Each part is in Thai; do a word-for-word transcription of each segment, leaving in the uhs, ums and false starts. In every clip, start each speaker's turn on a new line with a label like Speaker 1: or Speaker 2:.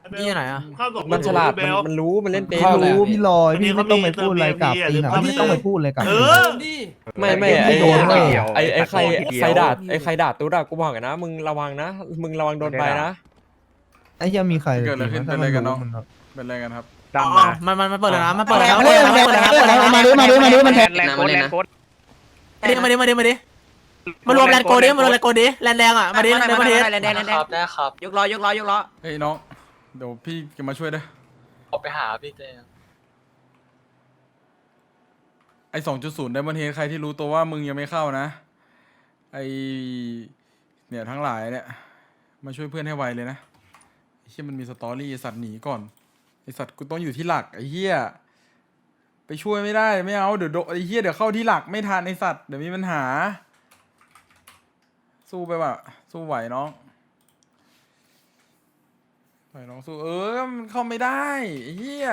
Speaker 1: นี่ไหนอ่ะ
Speaker 2: มันฉลาดมันมันรู้มันเล่นเป็น
Speaker 3: รู้พี่ลอยพี่ไม่ต้องไปพูดอะไรกับตีนะพี่ไม่ต้องไปพูดเลยกับ
Speaker 1: เอ
Speaker 3: ตี
Speaker 1: อ
Speaker 2: ไม่ไม่ไอ
Speaker 3: โดนเลย
Speaker 2: ไอไอใครใครด่าไอใครด่าตุ๊ดอะกูบอกกันนะมึงระวังนะมึงระวังโดนไปนะ
Speaker 3: ไอ้ยังมีใคร
Speaker 4: เกิดอะไรขึ้นเป็นอะไรกันเนาะเป็นอะไรกันครับ
Speaker 1: อ๋อมันมันมันเปิดแล้วนะมันเปิดแล้ว
Speaker 3: เปิดแล้วเปิดแล้วเปิดแล้วมาดิมาดิมาดิมันแทง
Speaker 5: แรงโค้ดแรงโค้ด
Speaker 1: มาดิมาดิมาดิมาดิมารวมแลนโกดิมารวมแลนโกดิแลนแดงอ่ะมาดิแลนมาดิ
Speaker 5: แรงแดงแรงแดงได้ครับยกล้อยกล้อยกล้อ
Speaker 4: เฮ้ยน้องเดี๋ยวพี่จะมาช่วยด้วย
Speaker 6: ออกไปหาพี่เจ
Speaker 4: ไอสองจุดศูนย์ไดมอนเฮดใครที่รู้ตัวว่ามึงยังไม่เข้านะไอเนี่ยทั้งหลายเนี่ยมาช่วยเพื่อนให้ไวเลยนะไอ้เหี้ยมันมีสตอรี่ไอ้สัตว์หนีก่อนไอสัตว์กูต้องอยู่ที่หลักไอ้เหี้ยไปช่วยไม่ได้ไม่เอาเดี๋ยวโดนไอ้เหี้ยเดี๋ยวเข้าที่หลักไม่ทันไอสัตว์เดี๋ยวมีปัญหาสู้ไปว่ะสู้ไหวน้องไหวน้องสู้เออมันเข้าไม่ได้ไอ้เหี้ย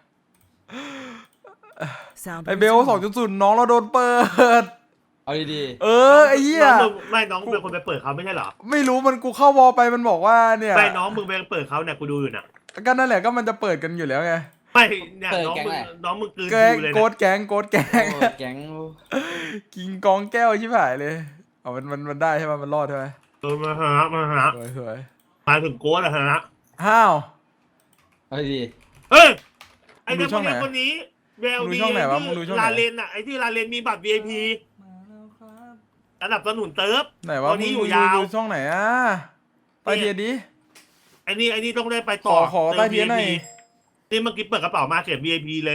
Speaker 4: ไอเบลสองจุดศูนย์น้องเราโดนเปิด
Speaker 6: เอาดี
Speaker 4: เออไอ้เหี้ย
Speaker 7: ไม่น้องเป็นคนไปเปิดเขาไม่ใช่เหรอ
Speaker 4: ไม่รู้มันกูเข้าวอลไปมันบอกว่าเนี่ย
Speaker 7: ไม่น้องมึงไปเปิดเขาเนี่ยกูดูอยู่น่ะ
Speaker 4: ก็นั่นแหละก็มันจะเปิดกันอยู่แล้วไง
Speaker 7: ไม่เนี่ยน้องมึงน้องมึงกลืน
Speaker 4: แก๊ง
Speaker 7: อยู่เลย
Speaker 4: โก
Speaker 7: นะ
Speaker 4: ดแก๊งโกดแก๊ง
Speaker 6: ๆแก๊ง
Speaker 4: กิงกองแก้วชิบหายเลยเอามันมันมันได้ใช่ไหมมันรอดใช่ไหม
Speaker 7: เออมาหามาหา
Speaker 4: สวยสวย
Speaker 7: มาถึงโก้แล้วฮะ
Speaker 4: ห้าว
Speaker 6: เอาดี
Speaker 7: เฮ้ยไอ้
Speaker 4: มึงดู
Speaker 7: เด็ก
Speaker 4: ช่องไหน
Speaker 7: คนนี้แวว
Speaker 4: มึงดู
Speaker 7: ดี
Speaker 4: ช่องไหนวะมึงดูช่องไหน
Speaker 7: ลาเลนอ่ะไอ้ที่ลาเลนมีบัตร วี ไอ พี ระดับสนุนเติร์ฟ
Speaker 4: ไหนวะ
Speaker 7: ตอน
Speaker 4: มึ
Speaker 7: นี้
Speaker 4: ง
Speaker 7: อยู่
Speaker 4: ดู
Speaker 7: ยาว
Speaker 4: ดูช่องไหนอ่ะใต้เทียนดิ
Speaker 7: ไอ้นี่ไอ้นี่ต้องได้ไป
Speaker 4: ข
Speaker 7: ต่อ
Speaker 4: อขอใต้เทียนหน่อย
Speaker 7: นี่เมื่อกี้เปิดกระเป๋ามาเก็บ วี ไอ พี เลย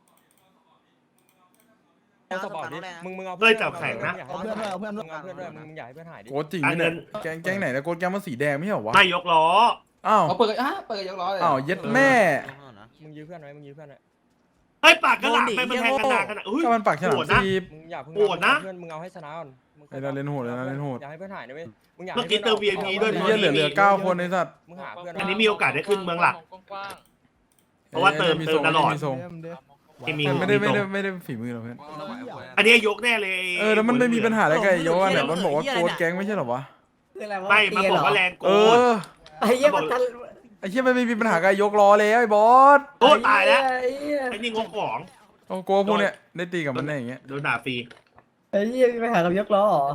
Speaker 2: เอาสปอร์ตดิมึงมึงเอา
Speaker 7: เฮ้ยจับแข็งนะ
Speaker 3: เอาเพื่อนด้วยเอาเพื่อนด้
Speaker 2: มึ
Speaker 3: วย
Speaker 2: งเอาเพื่อนด้วยมึงอยากให้เพื่อนหายดิ
Speaker 4: โกดจริงไหมเนี่ยแก๊งแก๊งไหนนะโกดแก๊งมันสีแดงไม่ใช่เหรอวะ
Speaker 7: ไม่ยกล้อ
Speaker 4: อ้าว
Speaker 6: เอาเปิดอ่ะเปิดยกล้อเลย
Speaker 4: อ้าวเย็ดแม่
Speaker 2: มึงยื้อเพื่อนไว้มึงยื้อเพื่อนไว้
Speaker 7: ไอ้ยปากกระหล่ำไปมันแทงกันดาขนาดอุ้ย
Speaker 4: ก็มันปากฉลาม
Speaker 7: โหดนะ
Speaker 4: จีบ
Speaker 2: มึงอย่าเพิ่ง
Speaker 7: โหดนะ
Speaker 2: เพื่อนมึงเอาให้ชนะก่อนมึง
Speaker 4: ไอ้เราเล่นโหดเลยนะเล่นโหด
Speaker 2: อยากให้เพื่อนหายนะเว้ยมึงอยาก
Speaker 7: เมื่อกี้เติม วี ไอ พี ด้วย
Speaker 4: ไอ้เหี้ยเหลือเหลือเก้าคนไอ้สัตว์
Speaker 2: มึงหาเพื่อน
Speaker 7: อันนี้มีโอกาสได้ขึ้นเมืองหลัก เพราะว่าเติม
Speaker 4: มี
Speaker 7: เติ
Speaker 4: ท
Speaker 7: ม
Speaker 4: ง
Speaker 7: ตลอด
Speaker 4: มีทรง
Speaker 7: ที่มี
Speaker 4: ไม่ได้ไม่ได้
Speaker 7: ตรง
Speaker 4: ไม่ได้ฝีมือหรอกเพื่อน
Speaker 7: อันนี้ยกแน่เลย
Speaker 4: เออแล้วมันไม่มีปัญหาอะไรกับไอ้โยอะเนี่ยมันบอกว่าโกดแก๊งไม่ใช่เหรอวะ
Speaker 7: ไม่มันบอกว่าแรงโก
Speaker 4: เออ
Speaker 5: ไอ้เหี้ยมันทัน
Speaker 4: ไอ้เหี้ยมันไม่มีปัญหากับไอ้ยกล้อแล้วไอ้บอส
Speaker 7: โอ้ตายแล้ว
Speaker 5: ไอ้เหี้ย
Speaker 7: ไอ้นี่งกของ
Speaker 4: โอ้โกพวกเนี้ยได้ตีกับมันได้อย่างเงี้ย
Speaker 7: โดนด่าฟรี
Speaker 5: ไอ้เหี้ยมีปัญหากับยกล้อเหรอ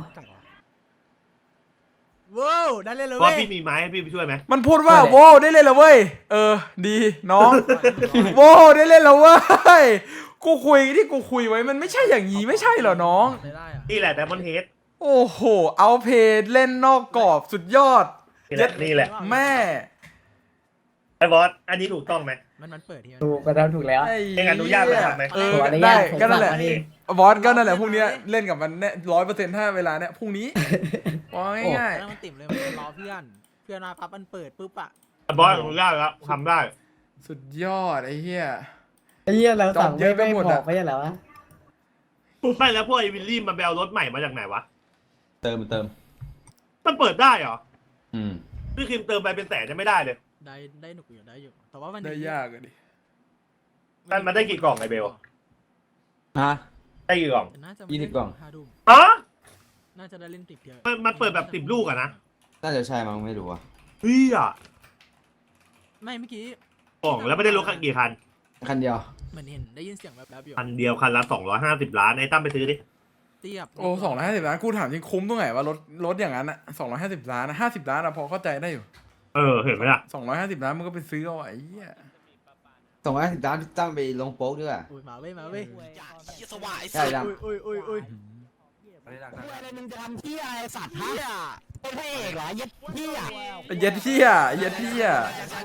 Speaker 1: ว้าวได้เลยเลย
Speaker 7: เพราะพี่มีไม้ให้พี่ไปช่วยไหม
Speaker 4: มันพูดว่าโว้ได้เล่นแล้วเว้ยเออดีน้องโว้ได้เล่นแล้วเว้ยกูคุยที่กูคุยไว้มันไม่ใช่อย่างนี้ไม่ใช่เหรอน้อง
Speaker 1: ได้อ่ะ
Speaker 7: นี่แหละแต่มันเฮด
Speaker 4: โอ้โหเอาเพจเล่นนอกกรอบสุดยอด
Speaker 7: นี่แหละนี่แหละ
Speaker 4: แม่
Speaker 7: ไอ้บอสอันนี้ถูกต้องไหม
Speaker 1: มันมันเปิดที่
Speaker 5: ถูกกระทำถูกแล้ว
Speaker 4: ไอ้
Speaker 7: เองอนุญาตมาทำไหม
Speaker 4: เออ
Speaker 5: ขออนุญา
Speaker 4: ได้
Speaker 5: ตผม
Speaker 4: ก็นั่นแหละ
Speaker 5: ฝากมาดิ
Speaker 4: บอสก็นั่นแหละพรุ่งนี้เล่นกับมันแน่ร้อยเปอร์เซ็นต์ถ้าเวลาเนี้ยพรุ่งนี้ว่าง่าย
Speaker 1: แล้วมันติ่มเลยมันรอเพื่อนเพื่อนมาปั๊บมันเปิดปุ๊บอ่ะ
Speaker 7: บอสอนุญาตแล้วทำได้
Speaker 4: ๆสุดยอดไอ้เหี้ย
Speaker 5: ไอ้เหี้ยเราสั่ง
Speaker 4: จอบเย
Speaker 5: ไม่
Speaker 4: อะไป
Speaker 5: ไม่
Speaker 4: หมด
Speaker 5: บ
Speaker 4: อะ
Speaker 5: อกไม่ใช่เหรอวะ
Speaker 7: ไม่แล้วพวกไอ้วิลลี่มันไปเอารถใหม่มาจากไหนวะ
Speaker 6: เติมเติม
Speaker 7: มันเปิดได้เหรอ
Speaker 6: อืม
Speaker 7: พี่คิมเติมไปเป็นแสนจะไม่ได้เลย
Speaker 1: ได้ได้หนุกอยู่ได้อยู่แต่ว่ามัน
Speaker 4: ได้ยากอะดิ
Speaker 7: มันมันได้กี่กล่องไอ้เบล
Speaker 6: ฮะ
Speaker 7: ได้กี่กล่อง
Speaker 1: น่าจะ
Speaker 6: ยี่สิบกล่อง
Speaker 1: ห้าทุ่ม
Speaker 7: อ๋อ
Speaker 1: น่าจะได้เล่นติดเยอะ
Speaker 7: มันมันเปิดแบบสิบลูกอะนะ
Speaker 6: น่าจะใช่มั้งไม่รู้อ่ะ
Speaker 7: เฮ้ยอ่ะ
Speaker 1: ไม่เมื่อกี้
Speaker 7: กล่องแล้วไม่ได้รถกี่คัน
Speaker 6: คันเดียว
Speaker 1: เหมือนเห็นได้ยินเสียงแบบแบบอยู่
Speaker 7: คันเดียวคันละสองร้อยห้าสิบล้านไอ้ตั้มไปซื้อดิ
Speaker 1: เทียบ
Speaker 4: โอ้สองร้อยห้าสิบล้านกูถามจริงคุ้มตรงไหนว่ารถรถอย่างนั้นอะสองร้อยห้าสิบล้านนะห้าสิบล้านอะพอเข้าใจได้อยู่
Speaker 7: เออเห็นไหมล่ะ
Speaker 4: สองร้อยห้าสิบล้านมันก็ไปซื้อเอาไอ้เหี้ย
Speaker 6: สองร้อยสิบล้านตั้งไปลงโป๊กด้วย
Speaker 1: อุ้ยมาเว้ยมาเว้ย
Speaker 6: ใช่ยัง
Speaker 1: อุ้ยอุ้ยอุ้ยอุ้ย
Speaker 5: อะไรมึงจะทำที่อะไรสัตว์ฮะเป็นพระเอกเหรอยัดที่อ่ะ
Speaker 4: เย็ดเหี้ยเย็ดเหี้ย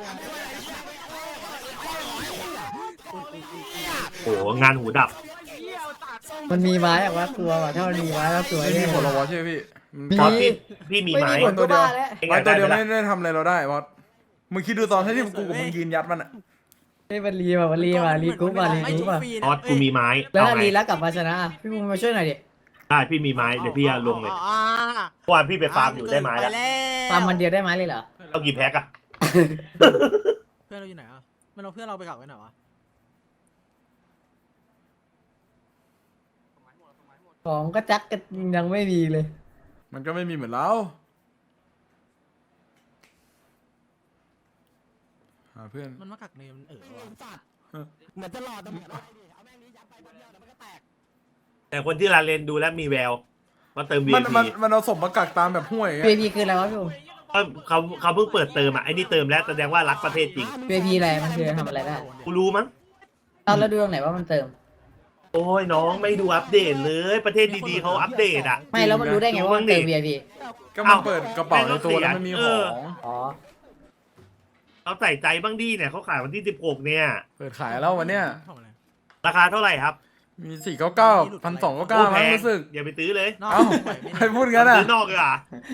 Speaker 7: โอ้โหงานหูดับ
Speaker 5: มันมีไม้อะวะกลัวว่ะถ้ามันมีไม้แล้วสวย
Speaker 4: ไม่มี
Speaker 5: แน่
Speaker 4: ผลหรอวะใช่ไหมพี่มัน
Speaker 5: มี
Speaker 7: บอสพี่พี่มี
Speaker 5: ไม่
Speaker 7: ไม้
Speaker 5: มีผลก็บ้าแล้ว
Speaker 7: เอง
Speaker 4: ไม้
Speaker 7: อยาก
Speaker 4: ตัว
Speaker 7: ได้
Speaker 4: เดียว
Speaker 7: ไหม
Speaker 4: ไม่
Speaker 7: ล่ะ
Speaker 4: ได้ทำอะไรเราได้บอสมึงคิดดูตอนที่กูกับมึงยืนยัดมันอะ
Speaker 5: ไอ้มันรีมามันรีมารีกรุ๊ปมารีกรุ๊ปมา
Speaker 7: บอสกูมีไม้
Speaker 5: แล้ว
Speaker 7: เอา
Speaker 5: ถ้า
Speaker 7: ไง
Speaker 5: รีแล้วกลับมาชนะอะพี่มึงมาช่วยหน่อยดิ
Speaker 7: ได้พี่มีไม้เดี๋ยวพี่จะลงเลยเมื่อวานพี่ไปฟาร์มอยู่ได้ไม้แล้ว
Speaker 5: ตามมันเดียวได้ไหมเลยเหรอ
Speaker 7: เอากี่แพ็คอะ
Speaker 1: เพื่อนเราอยู่ไหนอ่ะมันเอาเพื่อนเราไปกลับกันไหนวะ
Speaker 5: ของก็จักก็ยังไม่มีเลย
Speaker 4: มันก็ไม่มีเหมือนเราหหาเพื่อน
Speaker 1: มันมากักเนมเออว่ะ
Speaker 5: สัตว์เหมือนจะหลอดแต่เหมือนอะไรดิเอาแม่งนี้ยัดไปคนเดียวเดี๋ยวมันก็แตก
Speaker 7: แต่คนที่ลาเลนดูแล้วมีแววมาเติม
Speaker 4: มัน
Speaker 7: วี
Speaker 4: มัน
Speaker 7: พี
Speaker 4: มันเอาศพมากักตามแบบห้วยอย่าง
Speaker 8: เว
Speaker 4: เงี้ย
Speaker 8: พีคืออะไรวะพี่ผม
Speaker 7: เขาเขาเพิ่งเปิดเติมอ่ะไอ้นี่เติมแล้วแสดงว่ารักประเทศจริง
Speaker 8: เวพีอะไรมันคือทำอะไรได้
Speaker 7: กูรู้มั้ง
Speaker 8: ตอนเราดูตรงไหนว่ามันเติม
Speaker 7: โอ้ยน้องไม่ดูอัปเดตเลยประเทศดีๆเขาอัปเดตอ่ะ
Speaker 8: ไม่แล้วมันรู้ได้ไงว่ามันเติม วี ไอ พี
Speaker 4: ก็มันเปิดกระเป๋าในตัวแล้วมันมี
Speaker 7: เอ
Speaker 4: ข
Speaker 7: อ
Speaker 4: อง
Speaker 8: อ๋อ
Speaker 7: เอาใส่ใจบ้างดีเนี่ยเขาขายวันที่สิบหกเนี่ย
Speaker 4: เปิดขายแล้ววันเนี้ย
Speaker 1: ทำอะไร
Speaker 7: ราคาเท่าไหร่ครับ
Speaker 4: มีสี่เก้าเก้าพันสองเก้าเก้า
Speaker 7: โอ้แพ
Speaker 4: มั้ง
Speaker 7: ง
Speaker 4: รู้สึก
Speaker 7: อย่าไปซื้อเลย
Speaker 1: นอก
Speaker 4: เอ้า
Speaker 1: ไหวไหม
Speaker 4: ใคร
Speaker 1: เนี่ย
Speaker 4: พูดงั้นอ่ะ
Speaker 7: ซื้อนอกเลยอ่ะ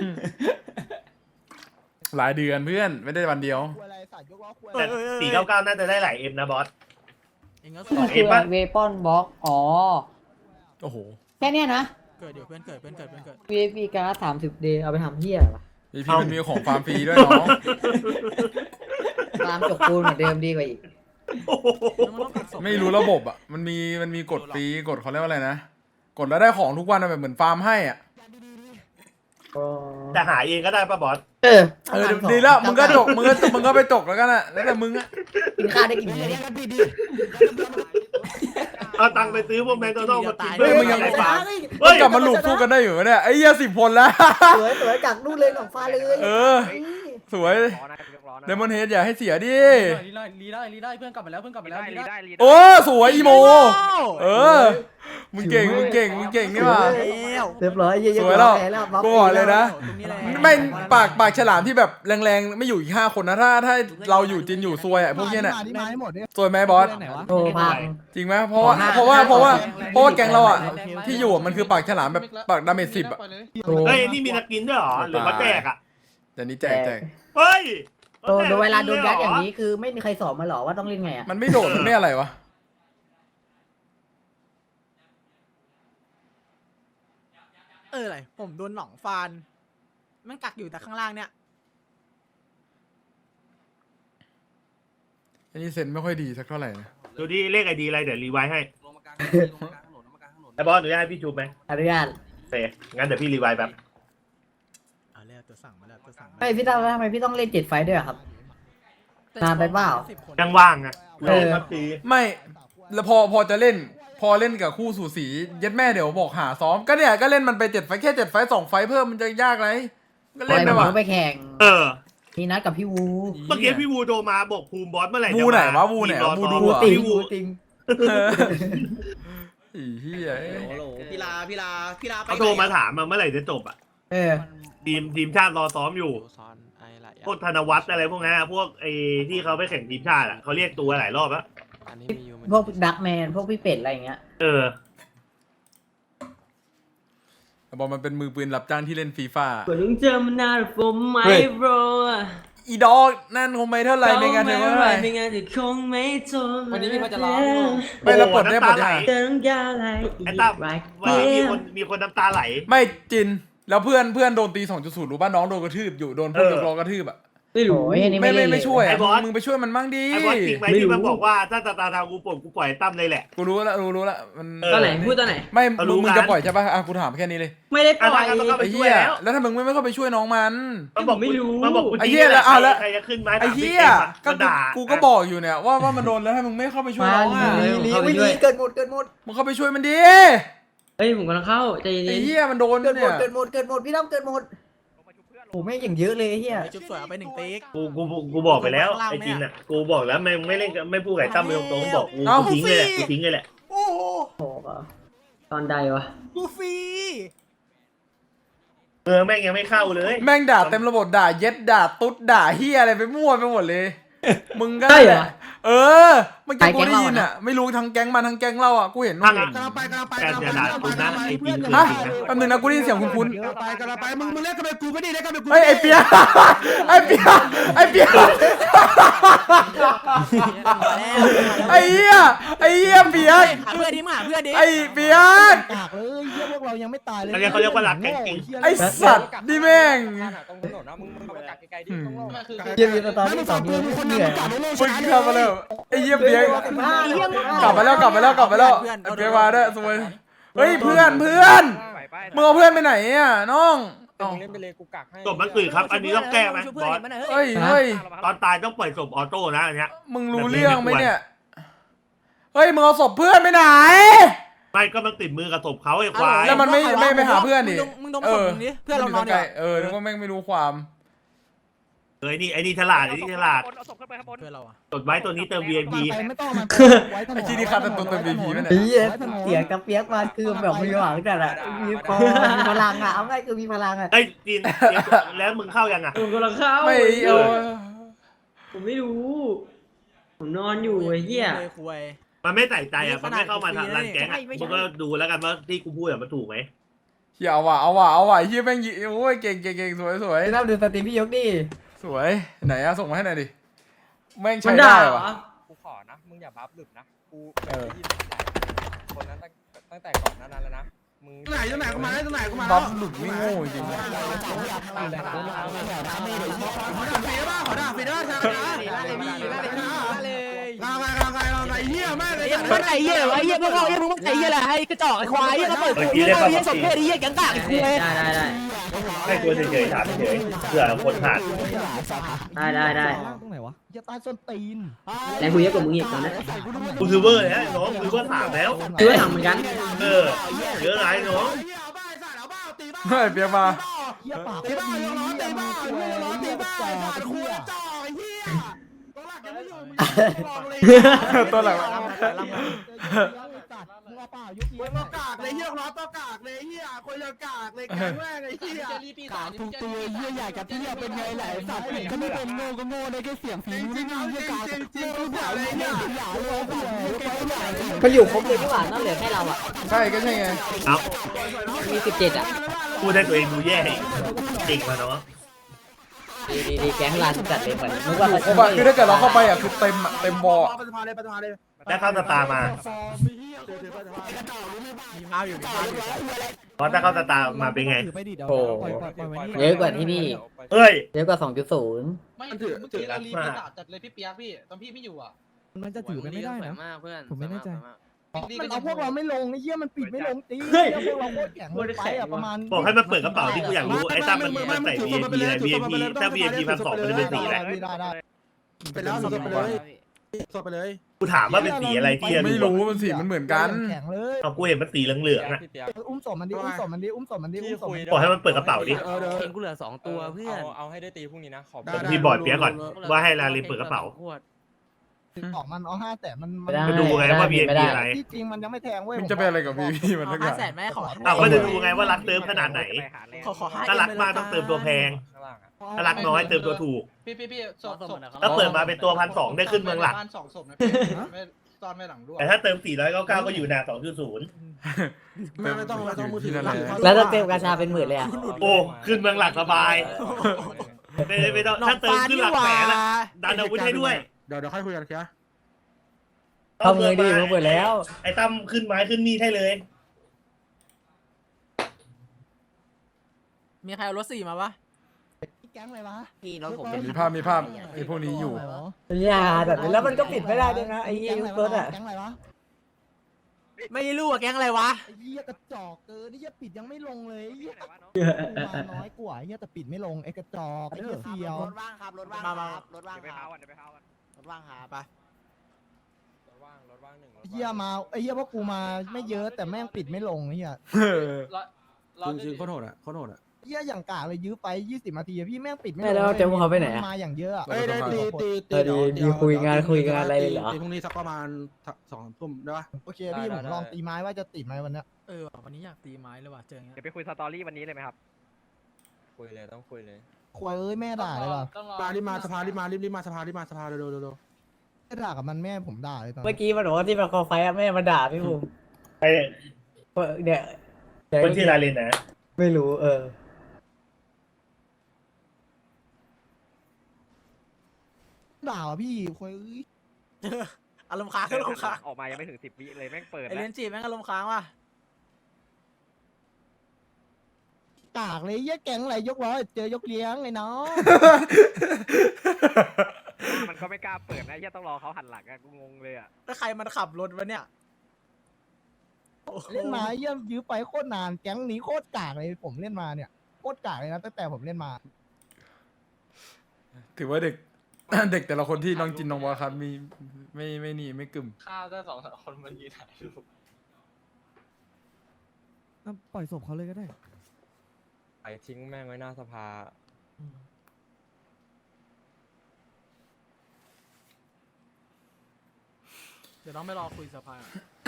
Speaker 4: หลายเดือนเพื่อนไม่ได้วันเดียว
Speaker 7: แต่สี่เก้าเก้าน่าจะได้หลายเอ็มนะบอส
Speaker 1: เองก็
Speaker 8: มันคือเวปอนบล็อกอ๋อ
Speaker 4: โอ้โห
Speaker 8: แค่เนี้ยนะ
Speaker 1: เกิดเดี๋ยวเพื่อนเกิดเพื่อนเกิดเพื่อนเกิด
Speaker 8: วี ไอ พี การ์ดสามสิบเดย์เอาไปทำเหี้ยอะไรวะ
Speaker 4: อีพีมันมีของฟาร์มฟรีด้วยน้อง
Speaker 8: ตามจกปูนเหมือนเดิมดีกว่าอีก
Speaker 1: แล้วมันต้องกักศพ
Speaker 4: ไม่รู้ระบบอ่ะมันมีมันมีกดฟรีกดเขาเรียกว่าอะไรนะกดแล้วได้ของทุกวันอะแบบเหมือนฟาร์มให้อ่ะ
Speaker 7: แต่หาเองก็ได้ป่ะบอส
Speaker 8: เออ
Speaker 4: เออดีแล้วมึงก็จกมึงก็มึงก็ไปจกแล้วกันอ่ะแล้วแต่มึงอ่ะ
Speaker 8: กินข้าวได้กิน
Speaker 5: เรี
Speaker 8: เนื้
Speaker 5: ย
Speaker 8: อก
Speaker 5: กันผิดดิ
Speaker 7: เอาตังค์ไปซื้อพวกแมคโดนัลด์มากิน
Speaker 4: เฮ้ยมึงยัง
Speaker 7: ไงฟาร์ม
Speaker 4: เฮ้ยกลับมาหลุดสู้กันได้อยู่ไหมเนี่ยไอ้เหี้ยสิบคนแล้ว
Speaker 8: สวยสวยจากนู่นเลยของฟ้าเลย
Speaker 4: เออ สวยเดมอนเฮดอย่าให้เสียดิ
Speaker 5: รีได้รีได้รีได้เพื่อนกลับมาแล้วเพื่อนกลับมาแล้วรีได้
Speaker 4: โอ้สวยอีโม เออมึงเก่งมึงเก่งมึงเก่งนี่หว่า
Speaker 1: แล้ว
Speaker 8: เรียบร้อยเยอะๆ
Speaker 4: สวยแล้ว
Speaker 8: แล้ว
Speaker 4: กูบอกเลยนะ
Speaker 1: ตรงนี้แหละ
Speaker 4: ไม่ปากปากฉลามที่แบบแรงๆไม่อยู่อีกห้าคนนะถ้าถ้าเราอยู่จินอยู่ซวยอ่ะพวกเนี้ยเนี่ยซวยไหมบอส
Speaker 8: โอ้พัง
Speaker 4: จริงไหมเพราะว่าเพราะว่าเพราะว่าเพราะว่าแก๊งเราอ่ะที่อยู่อะมันคือปากฉลามแบบปากดาเมจสิบอ่ะ
Speaker 7: เฮ้ยนี่มีนักกินด้วยเหรอหรือมาแจกอ่ะ
Speaker 4: เดี๋ยวนี้แจกแจก
Speaker 7: เฮ้ย
Speaker 8: โดนเวลาโดนยัดอย่างนี้คือไม่มีใครสอนมาหรอว่าต้องเล่นไงอ่ะ
Speaker 4: มันไม่โดดมันไม่อะไรวะ
Speaker 1: เอออะไรผมโดนหนองฟานมันกักอยู่แต่ข้างล่างเนี่ย
Speaker 4: อันนี้เซนไม่ค่อยดีสักเท่าไหร่นะ
Speaker 7: ดูดิเลขไอดีอะไรเดี๋ยวรีไวซ์ให้ไอ้บอสหนูจะให้พี่จูบไหม
Speaker 8: อนุญาต
Speaker 7: โอเคงั้นเดี๋ยวพี่รีไวซ์แบบ
Speaker 1: เอาแล้วตัวสั่งมาแล้วตัวสั่งมา
Speaker 8: ไม่พี่ต้องทำไมพี่ต้องเล่นเจ็ดไฟด้วยอะครับ นานไปเปล่า
Speaker 1: สิบคน
Speaker 7: ยังว่างอ่ะ
Speaker 8: เออ
Speaker 7: ครับตี
Speaker 4: ไม่แล้วพอพอจะเล่น พอเล่นกับคู่สูสีเย็ดแม่เดี๋ยวบอกหาซ้อมก็เนี่ยก็เล่นมันไปเจ็ดไฟแค่เจ็ดไฟสองไฟเพิ่มมันจะยากไรก็
Speaker 8: ปล่
Speaker 4: เล่
Speaker 8: อน ย
Speaker 4: ได้
Speaker 8: ผม
Speaker 4: ว่ะ
Speaker 8: ไปแข่ง
Speaker 7: เออ
Speaker 8: มีนัดกับพี่วู
Speaker 7: เมื่อกี้พี่วูโทรมาบอกภูมิบอสเมื่อไหร่จะ
Speaker 4: วูไหน
Speaker 7: มาว
Speaker 4: ะวูไหน
Speaker 7: รอ
Speaker 4: วะวู
Speaker 7: ซ้อม
Speaker 4: ดู
Speaker 8: วู
Speaker 4: อะ
Speaker 8: ติง
Speaker 7: พี่วู
Speaker 8: วูติง
Speaker 4: เอออีเหี้ย
Speaker 5: พี่ลาพี่ลาพี่ลาไป
Speaker 7: เขาโทรมาถามมาเมื่อไหร่จะจบอ่ะ
Speaker 8: เออ
Speaker 7: ทีมทีมชาติรอซ้อมอยู่พวกธนวัฒน์อะไรพวกนั้นอะพวกไอ้ที่เขาไปแข่งทีมชาติอ่ะเขาเรียกตัวหลายรอบแล้ว
Speaker 8: พวกดักแมนพวกพี่เป็ดอะไรอย่างเงี้ย
Speaker 7: เออ
Speaker 4: บอลมันเป็นมือปืนรับจ้างที่เล่นฟีฟ่า
Speaker 9: กว่าลุงเจอมันนานผมไหมโบร
Speaker 4: อีดอกนั่นคงไม่เท่าไหร่ในงานเท่าไหร่
Speaker 9: ไม่งานจะคงไม่ทน
Speaker 5: วันนี้พี่เขาจะร้อง
Speaker 4: ไม่แล้วปลดได้ปลดได้
Speaker 9: เติมยาอะไร
Speaker 7: ไอ้ตั้มวันนี้มีคนมีคนน้ำตาไหล
Speaker 4: ไม่จินแล้วเพื่อนเพื่อนโดนตีสองจุดศูนย์รู้ป่ะน้องโดนกระทืบอยู่โดนพวก
Speaker 7: เออ
Speaker 4: ยกล้อกระทืบอ่ะ
Speaker 9: ไม่รู้
Speaker 8: โอ้ยอันนี้
Speaker 4: ไม่
Speaker 8: ไม่
Speaker 4: ไม่
Speaker 8: เล่น
Speaker 4: ไม่ช่วย
Speaker 7: ไอ้
Speaker 4: อะ
Speaker 7: บอส
Speaker 4: มึงไปช่วยมันมั่งดิ
Speaker 7: ไอ้บอสจริงไหมที่มันบอกว่าถ้าตาตาทางกูปวดกูปล่อยตั้มเลยแหละ
Speaker 4: กูรู้แล้วรู้รู้แล้วมัน
Speaker 7: เออ
Speaker 9: ตอนไหนพูดตอนไหน
Speaker 4: ไม่
Speaker 7: เอา
Speaker 4: มึ
Speaker 7: รู้
Speaker 4: งมึง
Speaker 7: กัน
Speaker 4: จะปล่อยใช่ป่ะอ่ะกูถามแค่นี้เลย
Speaker 9: ไม่ได้ปล่อย
Speaker 7: อ่ะถ้างั้นก็ต้อง
Speaker 4: ไอ้เหี้ยแล้วถ้ามึงไม่ไม่เข้าไปช่วยน้องมัน
Speaker 7: มันบอก
Speaker 9: ไม่รู้
Speaker 7: มันบอกกู
Speaker 4: ไอ้เหี้ยแล้วเอาแล้ว
Speaker 7: ใครจะขึ้นไหม
Speaker 4: ไอ้เหี้ยก็
Speaker 7: มันด่า
Speaker 4: กูก็บอกอยู่เนี่ยว่าว่ามันโดนแล้วถ้ามึงไม่เข้าไปช่วย
Speaker 8: มา
Speaker 4: น้องอ่ะ
Speaker 8: ลีลีไม่ลีเกิดหมดเกิดหมด
Speaker 4: มึงเข้าไปช่วยมันดิ
Speaker 9: เฮ้ยผมกำลังเข้าใจเย็น
Speaker 4: ไอ้เหี้ยมันโดน
Speaker 8: เกิดหม
Speaker 4: เนี่
Speaker 8: ด
Speaker 4: ย
Speaker 8: เกิดหมดเกิดหมดพี่ต้องเกิดหมดโอ้แม่งอย่างเยอะเลยไอ้เฮีย
Speaker 1: จุ๊บสวยเอาไปหนึ่งติ๊ก
Speaker 7: กูกูกูกูบอกไปแล้ว
Speaker 1: ข้างล่าง
Speaker 7: ไอ้
Speaker 1: ไหม
Speaker 7: จิน
Speaker 1: อะ
Speaker 7: อ่ะกูบอกแล้วไม่ไม่เล่นกับไม่พูดกับไอ้ตั้มไปตรงๆบอกกู
Speaker 4: เอ้า
Speaker 7: กูทิ้งเลยแหละกูทิ้งเลยแหละ
Speaker 1: โอ้โห
Speaker 8: โอ้โห
Speaker 9: ๆตอนใดวะ
Speaker 1: กูฟรี
Speaker 7: เออแม่งยังไม่เข้าเลย
Speaker 4: แม่งด่าเต็มระบบด่าเย็ดด่าตุ๊ดด่าเหี้ยอะไรไปมั่วไปหมดเลย มึงก็
Speaker 9: ใช่เหรอ
Speaker 4: เออเมื่อกี้กูได้ยินอ่ะไม่รู้ทั้งแก๊งมันทั้งแก๊งเราอ่ะกูเห็น
Speaker 7: ทา
Speaker 4: นู่
Speaker 7: ง
Speaker 4: น
Speaker 7: อ่ะแต่อย่าด่ากูนะไอ้จินคือ
Speaker 4: ฮะ
Speaker 7: จริงนะ
Speaker 4: แป๊บนึงนะกูได้ยินเสียงคุ้น
Speaker 5: ไปกันไปมึงมึงเล่นกันไปกูไม่ดีเล่นกันไปกู
Speaker 4: ๆเฮ้ยไอ้เปียไอ้เปียไอ้เปียไอ้เหี้ยไอ้เหี้ยเปียก
Speaker 1: หาเพื่อนดิมาหาเพื่อนดิ
Speaker 4: ไอ้เปียก
Speaker 5: กากเลยเฮียพวกเรายังไม่ตายเลย
Speaker 7: อันนี้เขาเรียกว่ารักกันจริง
Speaker 4: ไอ้สัตว์นี่แม่ง
Speaker 8: เยี่ยมตอนที่สองเดือนเหนื่อย
Speaker 4: มึงกลับมาแล้วไอ้เหี้ยเปียกกลับมาแล้วกลับมาแล้วกลับมาแล้วไอ้เปียกมาด้วยสวยเฮ้ยเพื่อนเพื่อนมึงเอาเพื่อนไปไหนอ่ะน้อง
Speaker 2: แต่มึงเล่นไปเลยกูกักให้
Speaker 7: ศพมันตื่นครับ อันนี้ต้องแก้ไหมบอส
Speaker 4: เฮ้ยเฮ้ย
Speaker 7: ตอนตายต้องปล่อยศพออโต้นะอันเนี้ย
Speaker 4: มึงรู้เรื่องไหมเนี่ยเฮ้ยมึงเอาศพเพื่อนไปไหน
Speaker 7: ไม่ก็มันติดมือกับศพเขาไอ้ควาย
Speaker 4: แล้วมันไม่ไม่ไปหาเพื่อนดิ
Speaker 1: มึงดมศพมึงดิเพื่อนเรานอน
Speaker 4: ไกล
Speaker 1: เนี่ย
Speaker 4: เออนึกว่าแม่งไม่รู้ความ
Speaker 7: เอ้ยนี่ไอ้นี่ฉลาดไอ้นี่ฉลาด
Speaker 1: เพื่อนเราอะ
Speaker 7: จดไว้ตัวนี้เติม วี ไอ พี
Speaker 5: ไม่ต้องมา
Speaker 4: ไอ้ที่นี่คัดเป็นตัวเต็ม วี พี มันเนี่ย
Speaker 8: เหี้ยเสียงกระเปียกมาคือแบบมีหวังแต่ละมีพอมีพลังอ่ะเอาง่ายคือมีพลังอ่ะ
Speaker 7: เอ้ยจีนแล้วมึงเข้ายังอ่ะ
Speaker 9: ผมกำลังเข้า
Speaker 4: ไม่เออ
Speaker 9: ผมไม่รู้ ผมนอนอยู่ไอ้เหี้ย
Speaker 1: เลยคุย
Speaker 7: มันไม่ใส่ใจอ่ะมันไม่เข้ามาทำรันแก๊งอ่ะมึงก็ดูแล้วกันว่าที่กูพูดอ่ะมันถูกไหม
Speaker 4: เฮียเอาว่ะเอาว่ะเอาว่ะเฮียแม่งยิโอ้ยเก่งเก่งเก่งสวยสวย
Speaker 8: ไปรับดูสตรีมพี่ยกดิ
Speaker 4: สวยไหนอะส่งมาให้หน่อยดิแม่ง
Speaker 9: มั
Speaker 4: ใช้
Speaker 9: น
Speaker 4: ได้
Speaker 9: ด่าเหร
Speaker 4: ว่ะ
Speaker 9: อ
Speaker 2: กูขอนะมึงอย่าบัฟหลุดนะกู
Speaker 4: เออ
Speaker 2: คนนั้นตั้งตั้งแต่ก่อนหนั้นแล้วนะมึง
Speaker 3: ไหนตรงไหนกูมาได้ตรงไหนกูมา
Speaker 4: บัฟหลุดไม่โง่จริงๆ
Speaker 3: ขอด่าฟรีได้ป่ะชา
Speaker 1: ล่าเลยพี่ล่าเลยพี่ล่าเลย
Speaker 3: ลาไงลาไงลาไงเหี้ยแม่เลย
Speaker 5: ไอ้มึงไอ้เหี้ยไอ้เหี้ยพวกเราไอ้มึงไอ้เหี้ยอะไรไอ้กระจอกไอ้ควายไอ้กระเปิดกูไอ้เหี้ยสมเพศไอ้เหี้ยแกงกากไอ้คุย
Speaker 9: ได้ได้ได้
Speaker 7: ให้ตัวเฉยๆถามเฉยๆเผื่อคนขาด
Speaker 9: ได้ได้ได้
Speaker 5: ตรงไหนวะอย่าตายส้นตีน
Speaker 9: แต่กูเยอะกว่ามึงอีกตอนนั้น
Speaker 7: กูคือเวอร์นะน้องคือเวอร์ถามแล้ว
Speaker 9: คือว่าทำเหมือนกัน
Speaker 7: เออเยอะไรน้อง
Speaker 3: เอาบ้าสัตว์เอาบ้าตีบ้า
Speaker 4: เฮ้ยเปียกมา
Speaker 5: เหี้ยปาก
Speaker 3: ตีบ้ายกล้อตีบ้ายกล้อตีบ้าไอ้สัตว์คุยจ่อไอ้เหี้ยตัวหลักยังไม่อยู่มึงลองเลย
Speaker 4: ตัวหลัง
Speaker 5: มึงเอาเปล่ายก
Speaker 3: มึงก็กากเลยเหี้ยล้อตัวกากเลยเหี้ยคนละกากเลยแกงแม่งไอ้เหี้ย
Speaker 5: กากทุกตัวเหี้ยใหญ่กับเหี้ยเป็นไงแหละสัตว์เขาไม่เป็นโง่ก็โง่ได้แค่เสียงฝีมือนี่เหี้ยกากจริงๆผ่านเลยเนี่ยอย่าเลย
Speaker 8: มันอยู่ครบเลยที่หว่านั่นเหลือแค่เราอ่ะ
Speaker 4: ใช่ก็ใช่ไง
Speaker 7: เอ้า
Speaker 8: มีสิบเจ็ดอ่ะ
Speaker 7: พูดให้ตัวเองดูแย่อีกจริงมาเนาะ
Speaker 8: ดีดีดีแก๊งลานจัดเลยก่อนนึกว่า
Speaker 4: โอ้บะคือถ้าเกิดเราเข้าไปอ่ะคือเต็มอ่ะเต็มบอลอะ
Speaker 3: ไปสภาเลยไปสภาเลย
Speaker 7: ได้เข้าสตาร์มา
Speaker 1: มีภาพอยู่มีภาพอยู่
Speaker 7: เพราะถ้าเข้าสตาร์มาเป็นไง
Speaker 8: โอ้เยอะกว่าที่นี่
Speaker 7: เฮ้ย
Speaker 8: เยอะกว่าสองจุดศูนย์
Speaker 3: มันถือถือ
Speaker 7: มาก
Speaker 6: จัดเลยพี่เปียกพี่ตอนพี่ไม่อยู่อ่ะ
Speaker 5: มันจะถือไปไม่ได้นะ
Speaker 2: มากเพื่อน
Speaker 5: ผมไม่แน่ใจ มันเอาพวกเราไม่ลงไอ้เหี้ยมันปิดไม่ลงตีพวกเราโคตรแข็งเลยไปอ่ะประมาณ
Speaker 7: บอกให้มันเปิดกระเป๋าที่กูอยากรู้ไอ้ตั้มมันมันใส่ วี ไอ พี อะไร วี ไอ พี ถ้า วี ไอ พี พันสองมันจะเป็นสีอะไร
Speaker 5: ได้ได้
Speaker 3: ไปแล้วสดไปเลยสดไปเลย
Speaker 7: กูถามว่าเป็นสีอะไรที่จะ
Speaker 4: ไม่รู้มันสีมันเหมือนกัน
Speaker 5: แข็งเลย
Speaker 7: เอากูเห็นมันสีเหลืองๆอ่ะ
Speaker 2: พี่เปียก
Speaker 5: อุ้มศพมันดิอุ้มศพมันดิอุ้มศพมันดิอุ้มศพมันดิ
Speaker 7: บอกให้มันเปิดกระเป๋าดิ
Speaker 3: เออเดี๋ยว
Speaker 2: เองกูเหลือสองตัวเพื่อนเอาเอาให้ได้ตีพรุ่งนี้นะขอบ
Speaker 3: ได้
Speaker 7: ผมพี่บอร์ดเปียกก่อนว่าให้ลาลินเปิดกระเป๋า
Speaker 5: ออกมันเอาห้าแต่มัน
Speaker 8: ไม่ได้
Speaker 7: มาดูไงว่า วี ไอ พี อะไร
Speaker 5: ที่จริงมันยังไม่แทงเว้ย
Speaker 4: มึงจะไปอะไรกับพี่พี่มันทุกอ
Speaker 1: ห้า
Speaker 4: ย่าง
Speaker 1: แสนแม่ขอ
Speaker 7: อ้าวก็จะดูไงว่ารักเติมขนาดไหน
Speaker 1: ขอขอห้า
Speaker 7: ถ้ารักมากต้องเติมตัวแพง
Speaker 2: ข้างล่างอ่ะ
Speaker 7: ถ้ารักน้อยเติมตัวถูก
Speaker 6: พี่พี่พี่ศพศพ
Speaker 7: ถ้าเปิดมาเป็นตัวพันสองได้ขึ้นเมืองหลัก
Speaker 6: บ้านสองศพนะพี่ไม่ซ่อนไว้หลังด้วย
Speaker 7: แต่ถ้าเติมสี่ร้อยเก้าเก้าก็อยู่หน้าสองจุดศูนย์
Speaker 3: ไม่ไม่ต้องไม่ต้องมือถือ
Speaker 8: แล้วถ้าเต็มกาชาเป็นหมื่นเลยอ่ะ
Speaker 7: โอ้ขึ้นเมืองหลักสบายไม่ไม่ต้องถ้าเติมขึ้นหลักแสนอะดันอาวุธให้ด้วย
Speaker 3: เดี๋ยวเดี๋ยวค่อยคุยกันแค่
Speaker 8: ทำเงินดีมาหมดแล้ว
Speaker 7: ไอ้ตั้มขึ้นไม้ขึ้นมีดให้เลย
Speaker 1: มีใครเอารถสี่มาปะ
Speaker 5: แก๊งอะไรวะ
Speaker 8: พี่น้องผม
Speaker 4: มีภาพมีภาพไอ้พวกนี้อยู่
Speaker 8: อย่าแบบนี้แล้วมันก็ปิดไม่ได้ด้วยนะไอ้ยี่รถอ่ะ
Speaker 5: แก๊งอะไรวะ
Speaker 1: ไม่รู้อะแก๊งอะไรวะ
Speaker 5: ไอ้เหี้ยกระจอกเกินไอ้เหี้ยปิดยังไม่ลงเลยไอ้เหี้ยมาน้อยกว่าไอ้เหี้ยแต่ปิดไม่ลงไอ้กระจอกไอ้เหี้ยเสียว
Speaker 1: รถว่างครับรถว่างครับรถว่างครับรถว่างครับไป
Speaker 2: รถว่างรถว่างหนึ่งรถ
Speaker 5: ไอ้เหี้ยมาไอ้เหี้ยพวกกูมาไม่เยอะแต่แม่งปิดไม่ลงไอ้เหี้ย
Speaker 3: จริงๆโคตรโหดอ่ะโคตรโหดอ่ะ
Speaker 5: เหี้ยอย่างกากเลยยื้อไปยี่สิบนาทีอะพี่แม่งปิดไม่ล
Speaker 8: ไม่
Speaker 5: ง
Speaker 8: แล้วเจ้าเขาไปไหนอ่ะ
Speaker 5: มาอย่างเยอะอะ
Speaker 3: เอ้ยได้ตีตี
Speaker 8: เออดีดีคุยงานคุยงานอะไรเลยเหรอ
Speaker 3: ตีพรุ่งนี้สักประมาณสองทุ่มได้ปะ
Speaker 5: โอเคพี่ผมลองตีไม้ว่าจะติดไหมวันเนี้ย
Speaker 1: เออว่ะวันนี้อยากตีไม้เลยว่ะเจออย่างเงี้ย
Speaker 2: เดี๋ยวไปคุยสตอรี่วันนี้เลยไหมครับคุยเลยต้องคุยเลย
Speaker 5: ควายเอ้ยแม่ด่าเลยว่ะ
Speaker 3: มารีบมาสภารีบมารีบรีบมาสภารีบมาสภาเร็วเร็วเร็ว
Speaker 5: แม่ด่ากับมันแม่ผมด่าเลยตอน
Speaker 8: เมื่อกี้มันบอกว่าที่มันคอไฟอะแม่มาด่าพี่ภูมิ
Speaker 7: ไอ้
Speaker 8: เนี่ย
Speaker 7: คนชื่อลาเลนนะ
Speaker 8: ไม่รู้เออ
Speaker 5: ด่าว่ะพี่ควายเอ้ย
Speaker 1: อารมณ์ค้างอารมณ์ค้าง
Speaker 2: ออกมายังไม่ถึงสิบวิเลยแม่งเปิด
Speaker 1: ไอเลนจีแม่งอารมณ์ค้างว่ะ
Speaker 5: กากเลยเหี้ยแก๊งอะไรยกร้อยเจอยกเลี้ยงไอ้น้อง
Speaker 2: มันก็ไม่กล้าเปิดนะแค่ต้องรอเขาหันหลังอะกูงงเลยอะ
Speaker 1: แล้วใครมันขับรถวะเนี่ยโอ้โห
Speaker 5: เล่นมาเยี่ยมยื้อไปโคตรนานแก๊งนี้โคตรกากเลยผมเล่นมาเนี่ย
Speaker 3: โคตรกากเลยนะตั้งแต่ผมเล่นมา
Speaker 4: ถือว่าเด็ก เด็กแต่ละคนที่น้องจินน้องวาครับมีไม่ไม่นี่ไม่กึ่ม
Speaker 6: ข้าวได้สองสามคนมันยืนถ่ายรูป
Speaker 5: ปล่อยศพเขาเลยก็ได้
Speaker 2: ไอ้ทิ้งแม่งไว้หน้าสภา
Speaker 1: เดี๋ยวต้องไปรอคุยสภา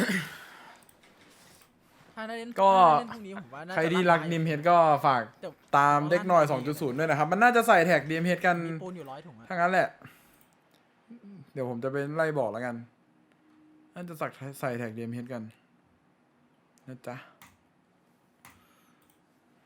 Speaker 1: ถ้าได้เล่น
Speaker 4: ก็
Speaker 1: ถ้าได้เล่นพรุ่งนี้ผมว่าน่าจะ
Speaker 4: ใครที่รักนิมเฮดก็ฝาก
Speaker 1: เดี๋ยว
Speaker 4: ตามเด็กหน่อย สองจุดศูนย์ ด้วยนะครับ มันน่าจะใส่แท็กดีเอ็มเฮดกัน
Speaker 1: มีปูนอยู่ร้อยถุงอะ
Speaker 4: ถ้างั้นแหละ เดี๋ยวผมจะไปไล่บอกแล้วกัน น่าจะสักใส่แท็กดีเอ็มเฮดกันนะจ๊ะ